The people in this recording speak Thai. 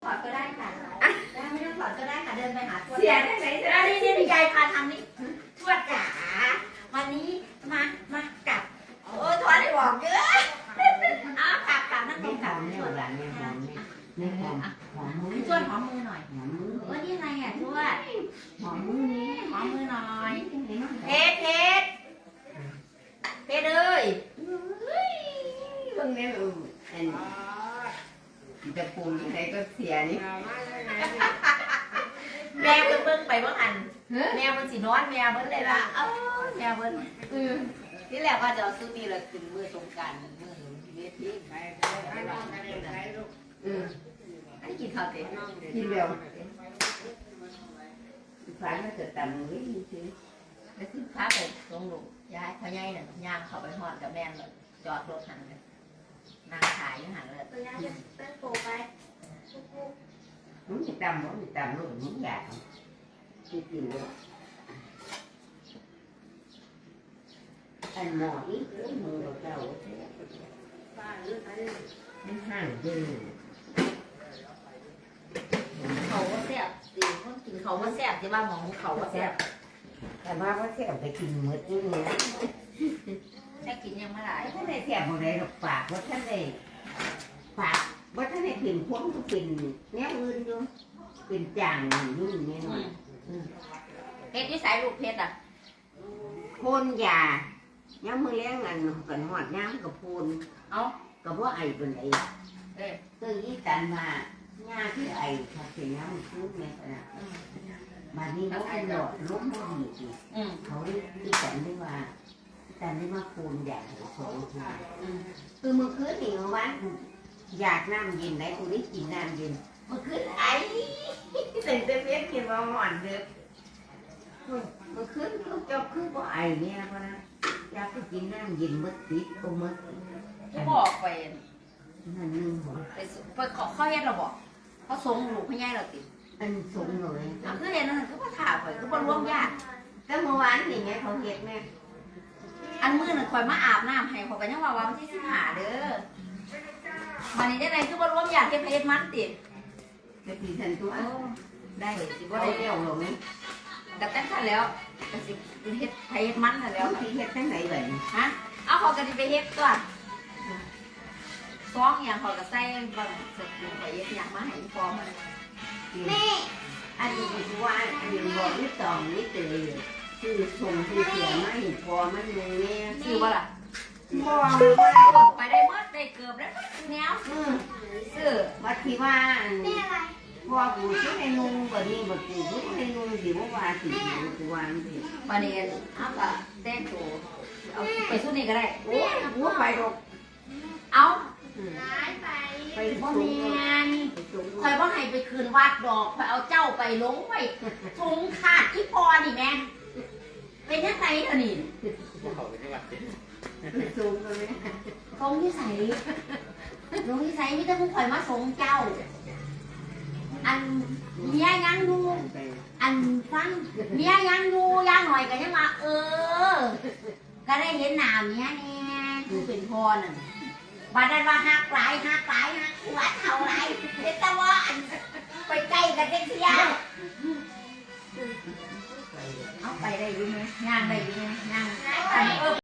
อดก็ได้ค่ะไม่ต้องถอดก็ได้ค่ะเดินไปหาทวดเสียได้ไหนจะได้นี่ยายพาทำนี่ทวดจ๋าวันนี้มากับโอ้ทวดได้บอกเยอะอ้าวกลับนั่งลงกับทวดนี่หอมมือทวดหอมมือหน่อยหอมมือว่านี่ไงอ่ะทวดหอมมือนี้หอมมือหน่อยเพชรเอ้ยเพิ่งนี้จะปูนไหนก็เสียนี่แม่เบิ้งไปว่าหันแม่มันสินอนแม่เบิ้งเลยละแม่เบิ้งที่แรกว่าจะเอาซื้อนี่เลยถึงมือสงการมือเวทีอันนี้กินข้าวเต็มกินเร็วฟ้ามันจะต่ำนิดนึงสิแล้วซื้อข้าวไปลงลูกยายพ่อใหญ่น่ะย่างเข้าไปหอดกับแม่เลยจอดรถหันเลยนางขายอยู่หันเลยเต้นโปไปมันจะต่ำมันจะต่ำลูกมันอยากกินเลยอันหมออีกมือเราเจ้ามันห่างดื้อเขาว่าแซ่บสิคนกินเขาว่าแซ่บที่ว่าหมองเขาว่าแซ่บแต่ว่าเสียบไปกินมืดนี่นะแค่กินยังไม่ได้ท่านได้เสียบอะไรหรอกปากว่าท่านได้ปากว่าท่านได้กินพวกก็กินแนวอื่นอยู่เป็นจางยุ่งนี่หน่อยเพชรวิสัยลูกเพชรอ่ะพ่นยาย้ำมือเลี้ยงอันกันหอดย้ำกับพ่นเอากับว่าไอเป็นไอตื่นยี่ตันมาหญ้าที่ไอเขาเสียย้ำพูดไหมนะมานี่เขาเป็นหลอดล้มไม่ดีอีกเขาที่ตันได้ว่าตันได้มาพ่นยาสองทีคือเมื่อคืนนี่วันอยากน้ำเย็นไหนกูได้กินน้ำเย็นเมื่อคืนไอตื่นเต้นเวียนกินมาหอนเด้อเมื่อคืนเขาเจ้าคือว่าไอเนี่ยเพราะนะอยากไปกินน้ำเย็นมืดติดก็มืดที่บอกไปนั่นนึงหัวไปขอข้อเฮ็ดเราบอกเขาส่งลูกพี่ใหญ่เราติดอันสูงเลยคือเห็นนั่นคือว่าถามไปคือว่าร่วมญาติก็เมื่อวานนี่ไงเขาเห็นแม่อันมือหนึ่งคอยมาอาบน้ำให้เขาไปยังว่าวันที่15เด้อวันนี้ได้ไรคือว่าร่วมญาติเฮ็ดเพชรมันติดกะทิทันตัวได้สิว่าว่าได้ได้เลี้ยวหรอไหมแต่แต่งกันแล้วก็สิเฮ็ดเพชรมันแล้วที่เห็ดทั้งไหนแบบนี้ฮะเอาเขากันไปเฮ็ดก่อนซ้องอย่างเขาก็ใส่บางสุดลงไปเฮ็ดอย่างมาให้ฟอมนี่อันนี้คือว่าอันนี้บอกนี่ตองนี่เตยคือส่งคือเสียไม่พอมันเลยเนี่ยชื่อว่าล่ะบอกไปได้เมื่อได้เกือบแล้วแนวซื้อวัดที่ว่าพอกูที่ในนุ่งแบบนี้แบบกูที่ในนุ่งสิว่าสิกูว่าสิประเด็นเอาก็แต่งตัวเอาไปสู้นี่ก็ได้โอ้กูไปดอกเอาไปบ่สูแม่งนคอยบ่ให้ไปคืนวัดดอกคอยเอาเจ้าไปลงไว้ทงขาดที่พอนี่แม่เป็นยังไงเดี๋ยวนี้สูงเลยทงที่ใส่ลงที่ใส่มีแต่ผู้คอยมาส่งเจ้า อันเมียยังดูอันฟังเมียยังดูย่างหน่อยก็ยังว่าก็ได้เห็นหน้าเมียแน่คือเป็นพ่อน่ะบัดนั้นว่าหักหลายหัวเท่าไรเด็กตะวันไปใกล้กันเด็กเสียเอาไปได้อยู่ไหมย่างได้อยู่ไหมย่าง